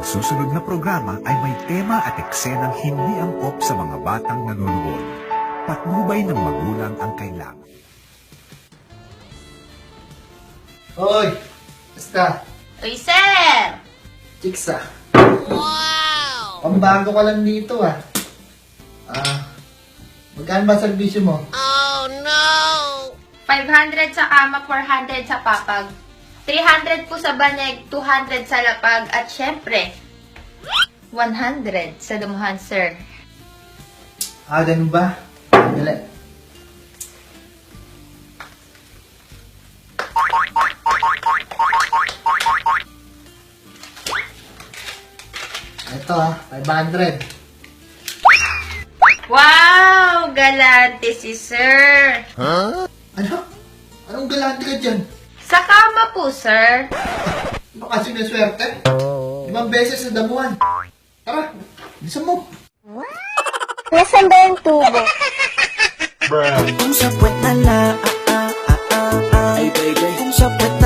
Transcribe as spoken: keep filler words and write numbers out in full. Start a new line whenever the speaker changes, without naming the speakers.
susunod na programa ay may tema at eksenang hindi angkop sa mga batang nanonood. Patnubay ng magulang ang kailangan.
Hoy! Basta!
Uy, sir!
Chicks ah. Wow! Pambago ka lang dito ah. Ah, magkano ba servisyo mo?
five hundred sa kama, four hundred sa papag. three hundred po sa banyeg, two hundred sa lapag, at syempre, one hundred sa dumuhan, sir.
Ah, ganun ba? Dali. Ito ah, five hundred.
Wow! Galante si sir!
Ano? Anong galante ka dyan?
Sa kama po, sir.
Baka sinaswerte? Limang beses sa damuhan. Tara, bisa mo.
Nasaan ba yung tubo?
Kung sa puwet na la, ah, ah, ah, ah, ay baby. Kung sa puwet